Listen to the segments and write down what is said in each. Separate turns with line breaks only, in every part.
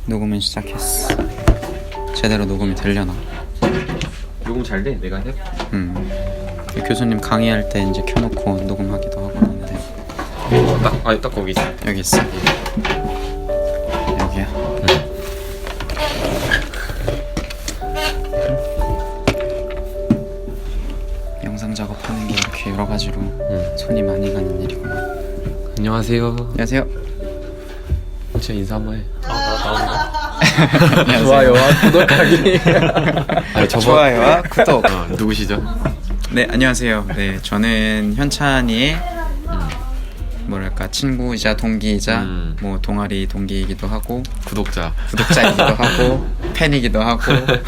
녹음은 시작했어. 제대로 녹음이 되려나?
녹음 잘 돼? 내가 해?
교수님 강의할 때 이제 켜놓고 녹음하기도 하고 하는데.
딱 거기 있어.
여기 있어. 여기야. 영상 작업하는 게 이렇게 여러 가지로 손이 많이 가는 일이구만.
안녕하세요.
안녕하세요.
진짜 인사 한번 해.
안녕하세요.
좋아요와 구독하기.
좋아요와 구독.
누구시죠?
네, 안녕하세요. 네, 저는 현찬이의 뭐랄까 친구이자 동기이자 뭐 동아리 동기이기도 하고 구독자이기도 하고 팬이기도 하고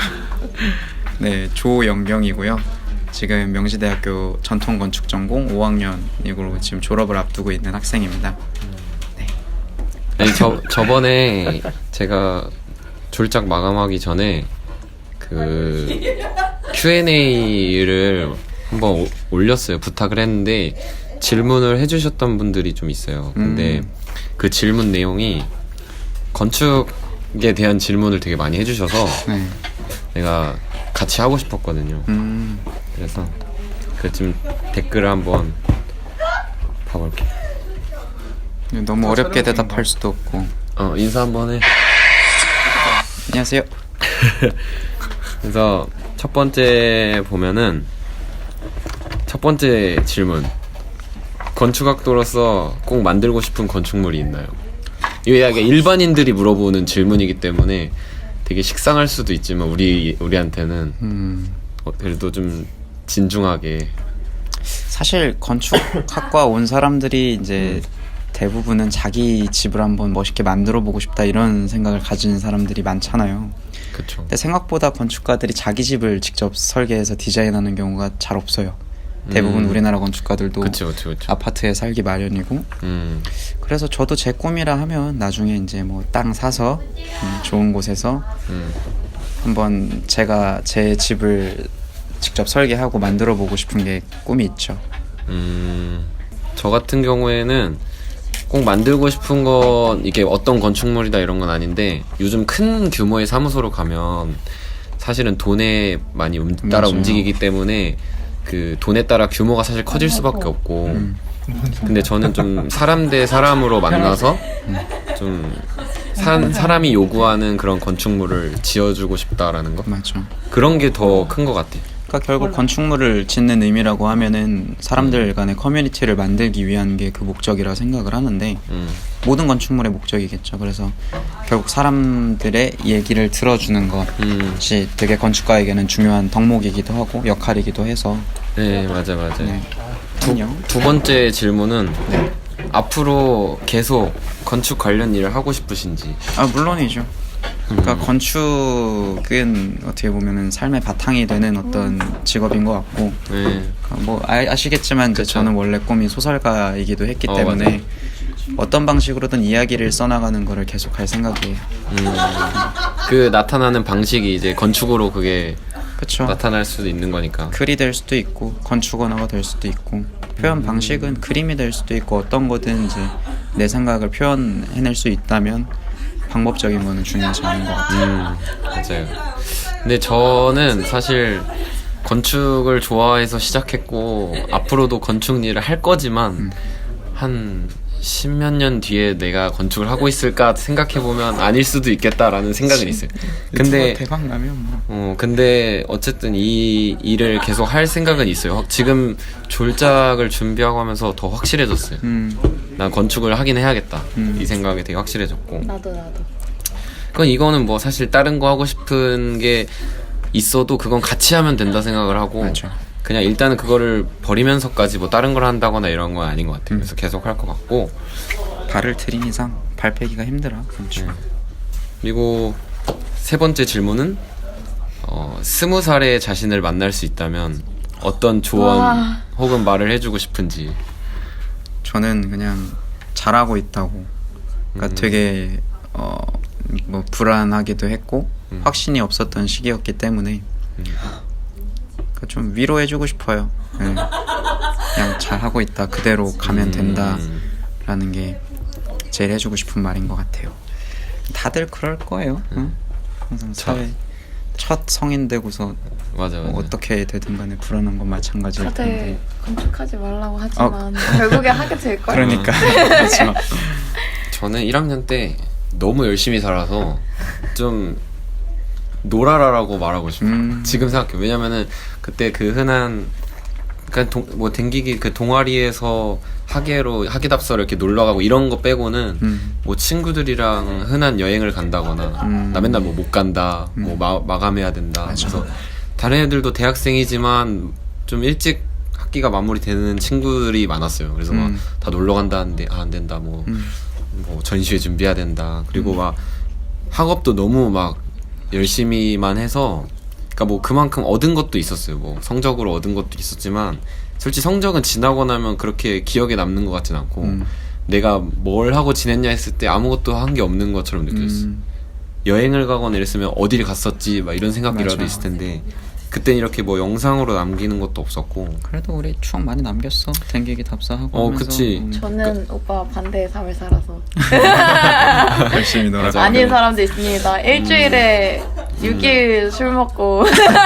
네, 조영경이고요. 지금 명시대학교 전통건축전공 5학년이고 지금 졸업을 앞두고 있는 학생입니다.
아니, 저번에 제가 졸작 마감하기 전에 그 Q&A를 한번 올렸어요. 부탁을 했는데 질문을 해주셨던 분들이 좀 있어요. 근데 그 질문 내용이 건축에 대한 질문을 되게 많이 해주셔서
네.
내가 같이 하고 싶었거든요. 그래서 그 지금 댓글을 한번 봐볼게.
너무 어렵게 대답할 수도 없고.
인사 한번 해.
안녕하세요.
그래서 첫 번째 보면은 첫 번째 질문. 건축학도로서 꼭 만들고 싶은 건축물이 있나요? 이게 약간 일반인들이 물어보는 질문이기 때문에 되게 식상할 수도 있지만 우리한테는 그래도 좀 진중하게.
사실 건축학과 온 사람들이 이제 대부분은 자기 집을 한번 멋있게 만들어 보고 싶다 이런 생각을 가진 사람들이 많잖아요.
그쵸.
근데 생각보다 건축가들이 자기 집을 직접 설계해서 디자인하는 경우가 잘 없어요. 대부분 우리나라 건축가들도
그쵸.
아파트에 살기 마련이고. 그래서 저도 제 꿈이라 하면 나중에 이제 뭐 땅 사서 좋은 곳에서 한번 제가 제 집을 직접 설계하고 만들어 보고 싶은 게 꿈이 있죠.
저 같은 경우에는 꼭 만들고 싶은 건 이게 어떤 건축물이다 이런 건 아닌데, 요즘 큰 규모의 사무소로 가면 사실은 돈에 많이 따라
맞아요.
움직이기 때문에 그 돈에 따라 규모가 사실 커질 수밖에 없고, 근데 저는 좀 사람 대 사람으로 만나서 좀 사람이 요구하는 그런 건축물을 지어주고 싶다라는 거,
맞죠.
그런 게 더 큰 것 같아요.
그러니까 결국 건축물을 짓는 의미라고 하면은 사람들 간의 커뮤니티를 만들기 위한 게 그 목적이라 생각을 하는데, 모든 건축물의 목적이겠죠. 그래서 결국 사람들의 얘기를 들어주는 것이 되게 건축가에게는 중요한 덕목이기도 하고 역할이기도 해서.
네, 맞아요.
네.
두 번째 질문은 앞으로 계속 건축 관련 일을 하고 싶으신지.
물론이죠. 그러니까 건축은 어떻게 보면은 삶의 바탕이 되는 어떤 직업인 것 같고,
네.
뭐 아시겠지만 이제 저는 원래 꿈이 소설가이기도 했기 때문에
맞아요.
어떤 방식으로든 이야기를 써나가는 거를 계속 할 생각이에요.
그 나타나는 방식이 이제 건축으로 그게
그렇죠.
나타날 수도 있는 거니까.
글이 될 수도 있고 건축 언어가 될 수도 있고 표현 방식은 그림이 될 수도 있고 어떤 거든 이제 내 생각을 표현해낼 수 있다면 방법적인 거는 중요하지 않은 것 같아요.
맞아요. 근데 저는 사실 건축을 좋아해서 시작했고 앞으로도 건축 일을 할 거지만 한 십몇 년 뒤에 내가 건축을 하고 있을까 생각해보면 아닐 수도 있겠다라는 생각은 있어요. 근데
대박 나면 뭐.
근데 어쨌든 이 일을 계속 할 생각은 있어요. 지금 졸작을 준비하고 하면서 더 확실해졌어요. 난 건축을 하긴 해야겠다. 이 생각이 되게 확실해졌고.
나도.
이거는 뭐 사실 다른 거 하고 싶은 게 있어도 그건 같이 하면 된다 생각을 하고.
맞아.
그냥 일단은 그거를 버리면서까지 뭐 다른 걸 한다거나 이런 건 아닌 것 같아요. 그래서 계속 할 것 같고.
발을 들인 이상 발 빼기가 힘들어 건축.
그리고 세 번째 질문은 20살의 자신을 만날 수 있다면 어떤 조언 혹은 말을 해주고 싶은지.
저는 그냥 잘하고 있다고. 그러니까 되게 뭐 불안하기도 했고 확신이 없었던 시기였기 때문에 그러니까 좀 위로해주고 싶어요. 네. 그냥 잘하고 있다, 그대로 가면 된다 라는 게 제일 해주고 싶은 말인 것 같아요. 다들 그럴 거예요. 응? 항상 사회 첫 성인 되고서
맞아.
뭐 어떻게 되든 간에 불안한 건 마찬가지일
다들
텐데.
건축하지 말라고 하지만 결국에 하게 될걸?
그러니까 그렇죠.
저는 1학년 때 너무 열심히 살아서 좀 놀아라라고 말하고 싶어요. 지금 생각해. 왜냐면은 그때 그 흔한 그러니까 뭐 댕기기 그 동아리에서 학예답서를 이렇게 놀러 가고 이런 거 빼고는 뭐 친구들이랑 흔한 여행을 간다거나 나 맨날 뭐 못 간다, 뭐 마감해야 된다.
맞아.
그래서 다른 애들도 대학생이지만 좀 일찍 학기가 마무리되는 친구들이 많았어요. 그래서 막 다 놀러 간다는데 안 된다. 뭐 전시회 준비해야 된다. 그리고 막 학업도 너무 막 열심히만 해서 그러니까 뭐 그만큼 얻은 것도 있었어요. 뭐 성적으로 얻은 것도 있었지만 솔직히 성적은 지나고 나면 그렇게 기억에 남는 것 같진 않고 내가 뭘 하고 지냈냐 했을 때 아무것도 한 게 없는 것처럼 느꼈어. 여행을 가거나 이랬으면 어딜 갔었지 막 이런 생각이라도
맞아.
있을 텐데 그땐 이렇게 뭐 영상으로 남기는 것도 없었고.
그래도 우리 추억 많이 남겼어. 댕기기 답사하고 하면서.
그치.
저는 오빠 반대의 삶을 살아서
열심히 놀아서.
아닌 사람도 있습니다. 일주일에 6일 술 먹고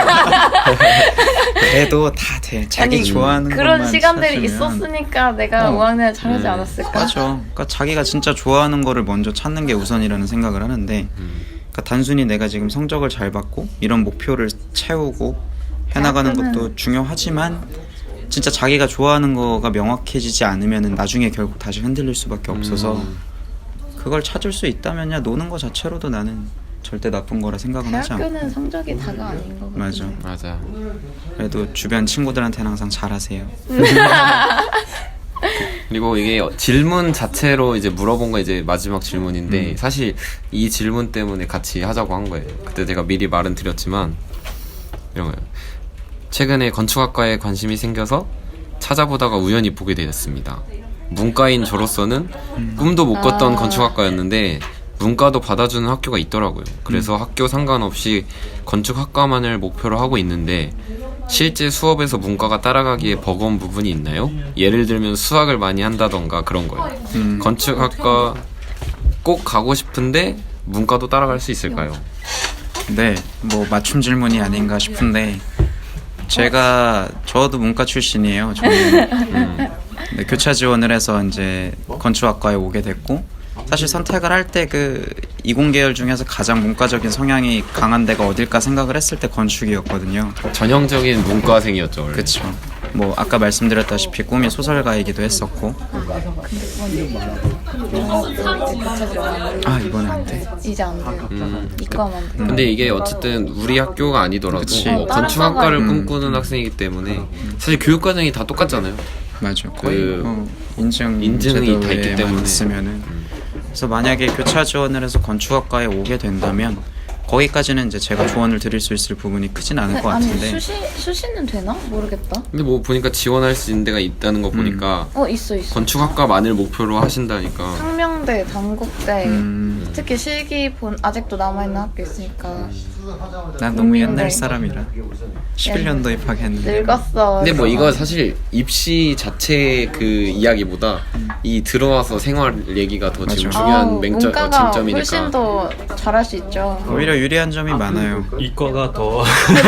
그래도 다 돼. 자기
아니,
좋아하는
그런
것만
시간들이
찾으면.
있었으니까 내가 5학년을 잘하지 않았을까?
맞아. 그러니까 자기가 진짜 좋아하는 거를 먼저 찾는 게 우선이라는 생각을 하는데 그러니까 단순히 내가 지금 성적을 잘 받고 이런 목표를 채우고 해나가는
대학교는-
것도 중요하지만 진짜 자기가 좋아하는 거가 명확해지지 않으면 나중에 결국 다시 흔들릴 수밖에 없어서 그걸 찾을 수 있다면야 노는 거 자체로도 나는 절대 나쁜 거라 생각은 하지 않고.
대학교는 성적이 다가 아닌 거
맞아.
같은데.
맞아.
그래도 주변 친구들한테는 항상 잘하세요.
그리고 이게 질문 자체로 이제 물어본 거 이제 마지막 질문인데 사실 이 질문 때문에 같이 하자고 한 거예요. 그때 제가 미리 말은 드렸지만 이런 거예요. 최근에 건축학과에 관심이 생겨서 찾아보다가 우연히 보게 되었습니다. 문과인 저로서는 꿈도 못 꿨던 건축학과였는데 문과도 받아주는 학교가 있더라고요. 그래서 학교 상관없이 건축학과만을 목표로 하고 있는데 실제 수업에서 문과가 따라가기에 버거운 부분이 있나요? 예를 들면 수학을 많이 한다던가 그런 거예요. 건축학과 꼭 가고 싶은데 문과도 따라갈 수 있을까요?
네, 뭐 맞춤 질문이 아닌가 싶은데 저도 문과 출신이에요. 저는 네, 교차 지원을 해서 이제 건축학과에 오게 됐고 사실 선택을 할 때 그 이공계열 중에서 가장 문과적인 성향이 강한 데가 어딜까 생각을 했을 때 건축이었거든요.
전형적인 문과생이었죠. 원래.
그쵸. 뭐 아까 말씀드렸다시피 꿈이 소설가이기도 했었고 아 이번에 안 돼.
이제 안 돼요. 이과만 돼.
근데 이게 어쨌든 우리 학교가 아니더라도
그치.
뭐
다른
건축학과를
과가-
꿈꾸는 학생이기 때문에 사실 교육 과정이 다 똑같잖아요.
맞아. 거의 인증
인증이 다 있기
제도에만
때문에.
있으면은 그래서 만약에 교차 지원을 해서 건축학과에 오게 된다면 거기까지는 이제 제가 조언을 드릴 수 있을 부분이 크진 않을 것
아니
같은데
수시는 되나? 모르겠다.
근데 뭐 보니까 지원할 수 있는 데가 있다는 거 보니까
있어.
건축학과만을 목표로 하신다니까.
상명대, 단국대,
음.
특히 실기본 아직도 남아있는 학교 있으니까
난 너무
네.
옛날 사람이라 11년도 입학했는데
늙었어.
근데 뭐
그래서.
이거 사실 입시 자체 그 이야기보다 이 들어와서 생활 얘기가 더 지금
맞아.
중요한
문과가
쟁점이니까.
훨씬 더 잘할 수 있죠.
오히려 유리한 점이 많아요.
이과가 더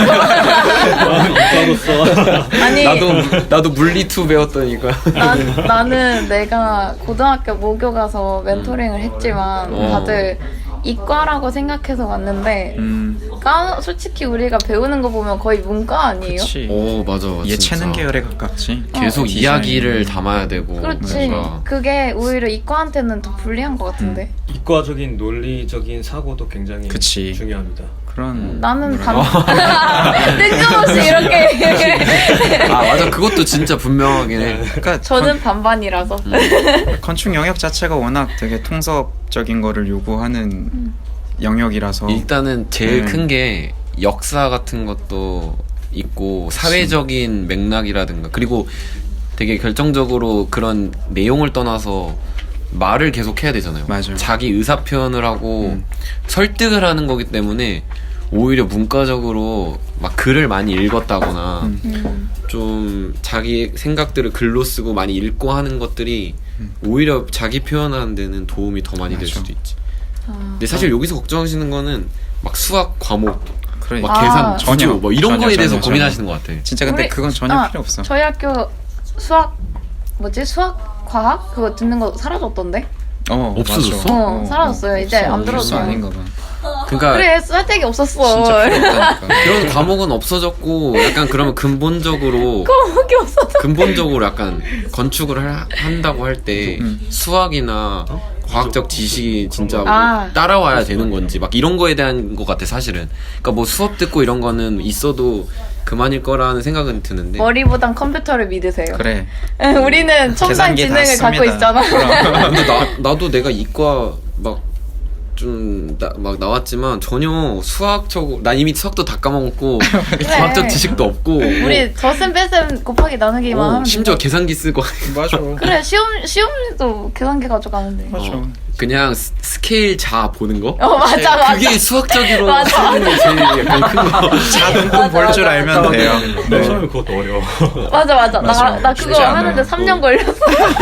이과로서
아니
나도 물리2 배웠더니까.
나는 내가 고등학교 모교 가서 멘토링을 했지만 다들 이과라고 생각해서 왔는데 솔직히 우리가 배우는 거 보면 거의 문과 아니에요?
그치.
오 맞아.
예체능
진짜.
계열에 가깝지.
계속
디자인.
이야기를 담아야 되고.
그렇지.
뭔가.
그게 오히려 이과한테는 더 불리한 것 같은데.
이과적인 논리적인 사고도 굉장히
그치.
중요합니다.
그런
나는 뜬금없이 이렇게
아 맞아. 그것도 진짜 분명하긴 해.
그러니까
저는 반반이라서
건축 영역 자체가 워낙 되게 통섭적인 거를 요구하는 영역이라서
일단은 제일
네.
큰 게 역사 같은 것도 있고 사회적인 맥락이라든가 그리고 되게 결정적으로 그런 내용을 떠나서 말을 계속 해야 되잖아요.
맞아요.
자기 의사 표현을 하고 설득을 하는 거기 때문에 오히려 문과적으로 막 글을 많이 읽었다거나 좀 자기 생각들을 글로 쓰고 많이 읽고 하는 것들이 오히려 자기 표현하는 데는 도움이 더 많이 될
맞아.
수도 있지. 근데 사실 여기서 걱정하시는 거는 막 수학 과목,
그러니까
막 계산,
전혀,
전혀 뭐 이런
전혀,
거에 대해서
전혀,
고민하시는 것 같아.
진짜 근데
우리-
그건 전혀 필요 없어.
저희 학교 수학 수학 과학 그거 듣는 거 사라졌던데?
없어졌어?
어, 사라졌어요. 이제 안
없어.
들어줘요.
아닌가 봐.
그러니까
그래 쓸데기 없었어.
진짜 필요 없다니까.
그런 과목은 없어졌고 약간 그러면 근본적으로
과목이 없었어.
근본적으로 약간 건축을 한다고 할 때 수학이나 과학적 지식이 진짜 뭐
아.
따라와야 되는 건지 막 이런 거에 대한 것 같아 사실은. 그러니까 뭐 수업 듣고 이런 거는 있어도 그만일 거라는 생각은 드는데
머리보단 컴퓨터를 믿으세요.
그래.
우리는 첨단
계산기 다
지능을 갖고
씁니다.
있잖아.
근데 나도 내가 이과 막 좀 막 나왔지만 전혀 수학적 난 이미 수학도 다 까먹었고 과학적 지식도 없고
우리 더셈 뺄셈 곱하기 나누기만 하면
심지어
된다.
계산기 쓰고
맞아.
그래 시험도 계산기 가져가는데.
맞아.
그냥 스케일 자 보는 거?
맞아 맞아.
그게 수학적으로
맞아.
하는 게 제일 약간 큰 거.
자동금 볼 줄 알면 돼요.
네. 처음에 그것도 어려워.
맞아. 나 그거
쉽지 않아요.
하는데 3년 걸렸어.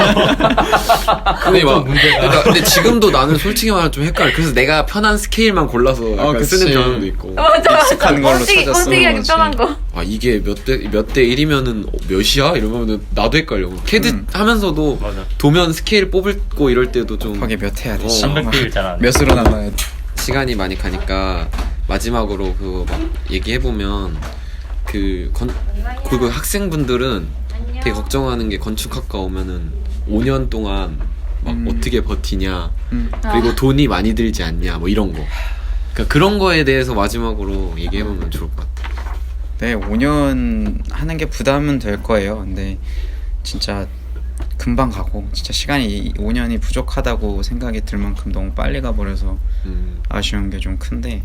근데 막
문제가.
그러니까 근데 지금도 나는 솔직히 말하면 좀 헷갈려. 그래서 내가 편한 스케일만 골라서 약간
그치.
쓰는 경향도 있고.
맞아.
익숙한 걸로
꼴찌기
찾아 쓰는
하기
거지.
편한 거.
아 이게 몇 대 1이면은 몇이야? 이러면 나도 헷갈려. 캐드 하면서도
맞아.
도면 스케일 뽑고 이럴 때도 좀
거기 몇 해야 돼? 씨.
300일 잘안 돼.
몇으로 나눠야 돼?
시간이 많이 가니까 마지막으로 그거 막 얘기해 보면 그 학생분들은 되게 걱정하는 게 건축학과 오면은 5년 동안 막 어떻게 버티냐 그리고 돈이 많이 들지 않냐 뭐 이런 거. 그러니까 그런 거에 대해서 마지막으로 얘기해 보면 좋을 것 같아.
네, 5년 하는 게 부담은 될 거예요. 근데 진짜 금방 가고 진짜 시간이 5년이 부족하다고 생각이 들 만큼 너무 빨리 가버려서 아쉬운 게 좀 큰데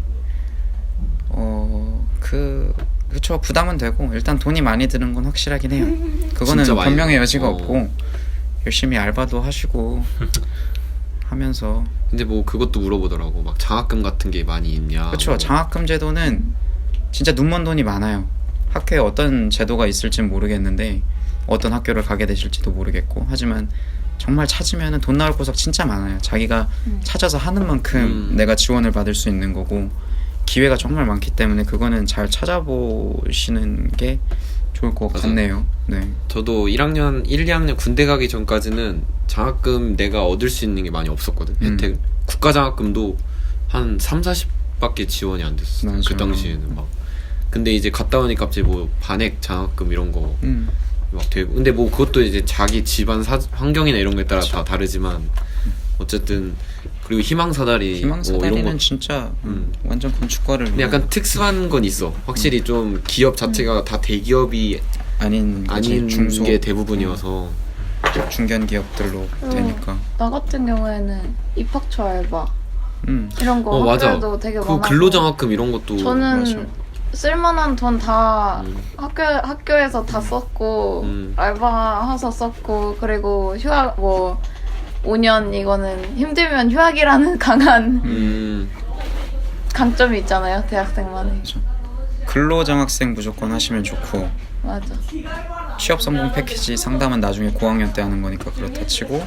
그쵸 부담은 되고 일단 돈이 많이 드는 건 확실하긴 해요. 그거는
진짜 많이
변명의
들어.
여지가 없고 열심히 알바도 하시고 하면서
근데 뭐 그것도 물어보더라고. 막 장학금 같은 게 많이 있냐.
그쵸
뭐.
장학금 제도는 진짜 눈먼 돈이 많아요. 학교에 어떤 제도가 있을진 모르겠는데 어떤 학교를 가게 되실지도 모르겠고 하지만 정말 찾으면 돈 나올 곳은 진짜 많아요. 자기가 찾아서 하는 만큼 내가 지원을 받을 수 있는 거고 기회가 정말 많기 때문에 그거는 잘 찾아보시는 게 좋을 것
맞아.
같네요. 네.
저도 1, 2학년 군대 가기 전까지는 장학금 내가 얻을 수 있는 게 많이 없었거든. 혜택. 국가 장학금도 한 3, 40밖에 지원이 안 됐어.
맞아요.
그 당시에는 막. 근데 이제 갔다 오니까 갑자기 뭐 반액 장학금 이런 거 막 되고. 근데 뭐 그것도 이제 자기 집안 환경이나 이런 거에 따라 다 다르지만 어쨌든 그리고 희망사다리 뭐
희망사다리는
이런 거.
진짜 완전 건축과를
근데 약간 특수한 건 있어. 확실히 좀 기업 자체가 다 대기업이
아닌 중소
게 대부분이어서
중견 기업들로 되니까.
나 같은 경우에는 입학처 알바 이런 거
맞아.
학교에도 되게
그
많아서
근로장학금 이런 것도
저는
맞아.
쓸만한 돈 다 학교에서 다 썼고 알바해서 썼고 그리고 휴학 뭐 5년 이거는 힘들면 휴학이라는 강한 강점이 있잖아요 대학생만의.
근로장학생 무조건 하시면 좋고
맞아.
취업 성공 패키지 상담은 나중에 고학년 때 하는 거니까 그렇다 치고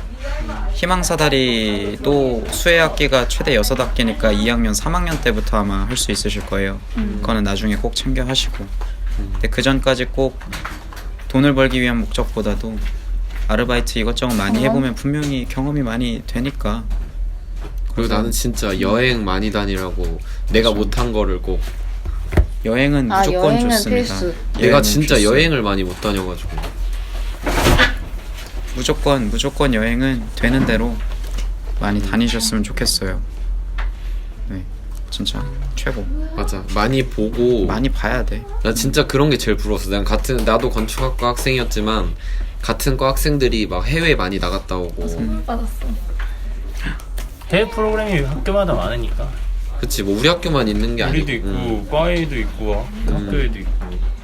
희망사다리도 수혜학기가 최대 6학기니까 2학년 3학년 때부터 아마 할 수 있으실 거예요. 그거는 나중에 꼭 챙겨 하시고 근데 그 전까지 꼭 돈을 벌기 위한 목적보다도 아르바이트 이것저것 많이 해보면 분명히 경험이 많이 되니까.
그리고 나는 진짜 여행 많이 다니라고 내가 못한 거를 꼭
여행은 무조건
여행은
좋습니다.
필수.
내가
여행은
진짜
필수.
여행을 많이 못 다녀가지고
무조건 여행은 되는 대로 많이 다니셨으면 좋겠어요. 네, 진짜 최고.
맞아 많이 보고
많이 봐야 돼.
나 진짜 그런 게 제일 부러웠어. 나도 건축학과 학생이었지만 같은 과 학생들이 막 해외 많이 나갔다 오고
받았어.
해외 프로그램이 학교마다 많으니까.
그치 뭐 우리 학교만 있는 게 아니고
우리도 있고 과에도 있고 학교에도 있고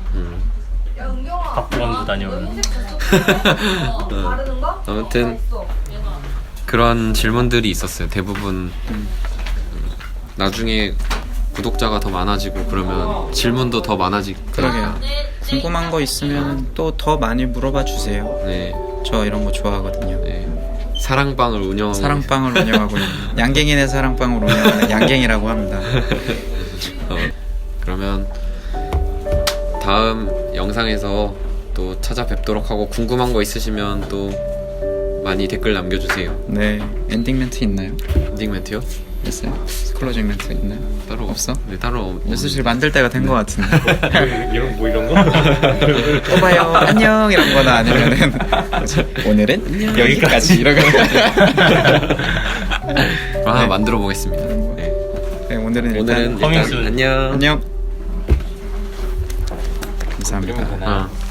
박보감도 다녀오는.
아무튼 그런 질문들이 있었어요. 대부분 나중에 구독자가 더 많아지고 그러면 질문도 더 많아질
그러게요. 궁금한 거 있으면 또 더 많이 물어봐 주세요.
네,
저 이런 거 좋아하거든요.
네. 사랑방을 운영하고
사랑방을 운영하고 있는 양갱이네 사랑방을 운영하는 양갱이라고 합니다.
그러면 다음 영상에서 또 찾아뵙도록 하고 궁금한 거 있으시면 또 많이 댓글 남겨주세요.
네, 엔딩 멘트 있나요?
엔딩 멘트요?
있어요? 클로징 멘트 있나요?
따로
없어?
네, 따로
슬슬 만들 때가 된 것 같은데.
이런 거?
또 봐요. 안녕 이런 거나 아니면은 오늘은 여기까지 이런 거.
하나
네.
만들어 보겠습니다. 네.
네, 오늘은
오늘은
일단
커밍 순.
안녕.
안녕. 감사합니다.
어.